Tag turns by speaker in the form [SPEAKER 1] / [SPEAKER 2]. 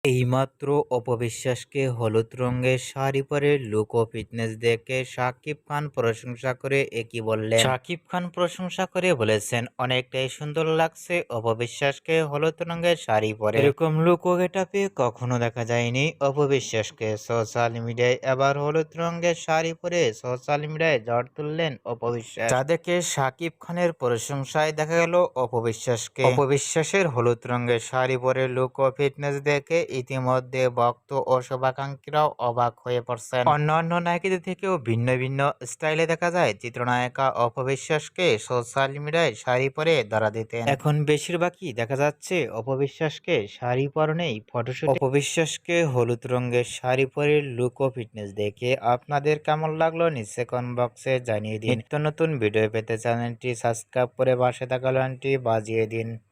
[SPEAKER 1] এইমাত্র অপবিশ্বাসকে হলুদ রঙের শাড়ি পরে লুক ও ফিটনেস দেখে শাকিব খান প্রশংসা করে একই বললেন। শাকিব খান প্রশংসা করে বলেছেন, অনেকটাই সুন্দর লাগছে অপবিশ্বাসকে হলুদ রঙের শাড়ি পরে। এরকম লুক ও গেটাপে কখনো দেখা যায়নি অপবিশ্বাসকে। সোশ্যাল মিডিয়ায় এবার হলুদ রঙের শাড়ি পরে সোশ্যাল মিডিয়ায় ঝড় তুললেন অপবিশ্বাস। যা দেখে শাকিব খানের প্রশংসায় দেখা গেল অপবিশ্বাসকে। অপবিশ্বাসের হলুদ রঙের শাড়ি পরে লুক ও ফিটনেস দেখে ইতিমধ্যে ভক্ত ও শুভাকাঙ্ক্ষীরাও অবাক হয়ে পড়ছেন। অন্যান্য নায়িকাদের থেকেও ভিন্ন ভিন্ন স্টাইলে দেখা যায় চিত্রনায়িকা অপবিশ্বাসকে সোশ্যাল মিডিয়ায় শাড়ি পরে ধরা দিতেন। এখন বেশিরভাগই দেখা যাচ্ছে অপবিশ্বাসকে শাড়ি পরনেই ফটোশুট। অপবিশ্বাসকে হলুদ রঙের শাড়ি পরে লুক ও ফিটনেস দেখে আপনাদের কেমন লাগলো নিচে কমেন্ট বক্সে জানিয়ে দিন। নিত্য নতুন ভিডিও পেতে চ্যানেলটি সাবস্ক্রাইব করে পাশে থাকা ঘন্টি বাজিয়ে দিন।